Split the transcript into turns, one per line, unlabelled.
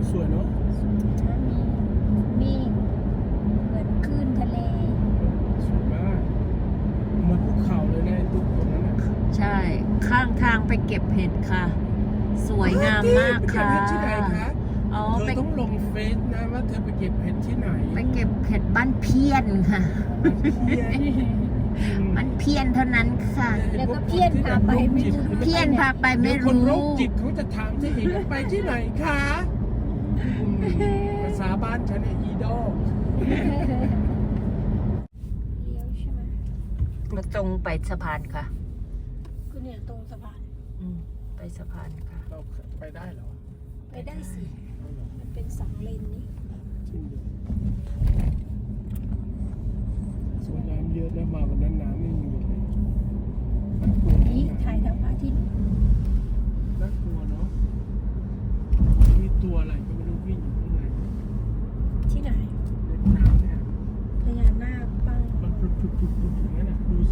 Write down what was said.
สวยเนาะ
มีเหมือนคลื่นทะเล
สวยมากเหมือนภูเขาเลยนะไอ้ตุ๊กตรงนั้นนะ
ใช่ ข้างทางไปเก็บเห็ดค่ะ สวยงามมากค่ะ
ไปเก็บเห็ดที่ไหนคะ
อ๋อ
เธ
ไป
อต้องลงเฟซนะว่าเธอไปเก็บเห็ดที่ไหน
ไปเก็บเห็ดบ้านเพี้ยนค่ะ
เพี้ยน
บ้านเพี้ยนเท่านั้นค่ะ
แล้วก็เพี้ยนพาไปไม่รู้
เพี้ยนพาไปไม่
เดี๋ยวคนโร
รู้
คจิตเขาจะถามที่อีกว่าไปที่ไหนคะภาษาบ้านฉันเนี่ยอีดอล
เลี้ยวใช่ไหม
เราตรงไปสะพานค่ะ
ก็เนี่ยตรงสะพาน
ไปสะพานค่ะ
เราไปได้เหรอ
ไปได้สิ
เอาเหรอ
มันเป็นสองเลนนี่
จริงดิสวนน้ำเยอะแล้วมาวันนั้นน้ำไม่มีเลยน่ากลัว
นี่
นะ
ถ่ายทางพระอาทิตย์
น่ากลัวเนาะมีตัวอะไรก็ไม่รู้วิ่งอยู่ข้างใน
ที่ไหน
ในน้ำเนี่ย
พญานาคบ้าง
มันปุบๆๆๆอย่างนั้นนะดู